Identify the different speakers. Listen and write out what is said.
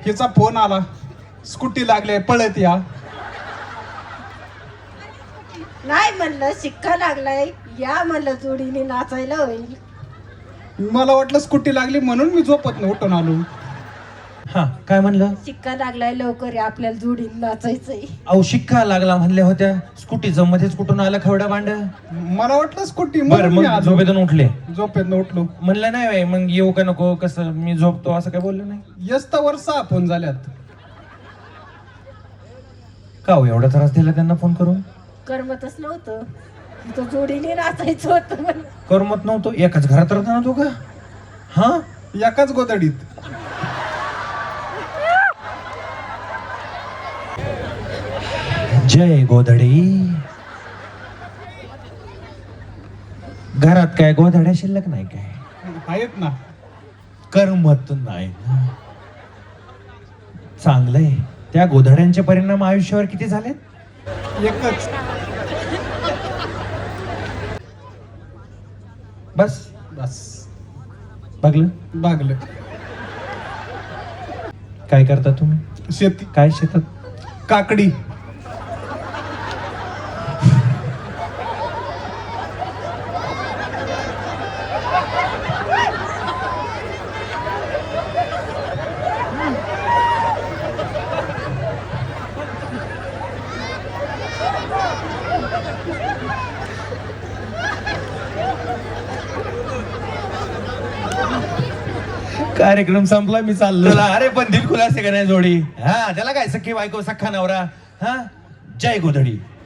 Speaker 1: हिचा फोन आला, स्कूटी लागले पळत या.
Speaker 2: नाही म्हणलं शिक्का लागलाय, या म्हणलं जोडीने नाचायला होईल.
Speaker 1: मला वाटलं स्कूटी लागली म्हणून मी झोपत न उठून आलो.
Speaker 3: हा काय म्हणलं?
Speaker 2: शिक्का लागलाय, लवकर या, आपल्याला जोडीने नाचायचंय.
Speaker 3: अहो शिक्का लागला म्हणल्या होत्या, स्कूटीचं मध्येच कुठून आलं खवडा भांड.
Speaker 1: मला वाटलं स्कूटी
Speaker 3: बरं
Speaker 1: म्हणून मी
Speaker 3: मग
Speaker 1: आलो.
Speaker 3: झोपेतून उठले,
Speaker 1: झोपेत उठलो.
Speaker 3: म्हणलं नाही बाई, मग येऊ का नको, कसं मी झोपतो असं काय बोललं नाही.
Speaker 1: यस्तावर 6 फोन झाल्यात.
Speaker 3: का हो एवढा त्रास दिला त्यांना फोन करून?
Speaker 2: करमतच नव्हतं, तो जोडीने नाचायचं होतं म्हणून.
Speaker 3: करमत नव्हतं? एकाच घरात राहता ना तू का? हा
Speaker 1: एकाच गोदडीत.
Speaker 3: जय गोधडी. घरात काय गोधड्या शिल्लक नाही काय?
Speaker 1: आहेत ना.
Speaker 3: करमत नाही ना. चांगलंय. त्या गोधड्यांचे परिणाम आयुष्यावर किती झालेत?
Speaker 1: एकच.
Speaker 3: बस
Speaker 1: बस
Speaker 3: बघलं.
Speaker 1: बागलं.
Speaker 3: काय करता तुम्ही?
Speaker 1: शेती.
Speaker 3: काय शेतात?
Speaker 1: काकडी.
Speaker 3: कार्यक्रम संपला, मी चाललो. अरे पण दिल खुलासे का नाही जोडी? हा त्याला काय, सख्खी बायको सख्खा नवरा. हा जय गोधडी.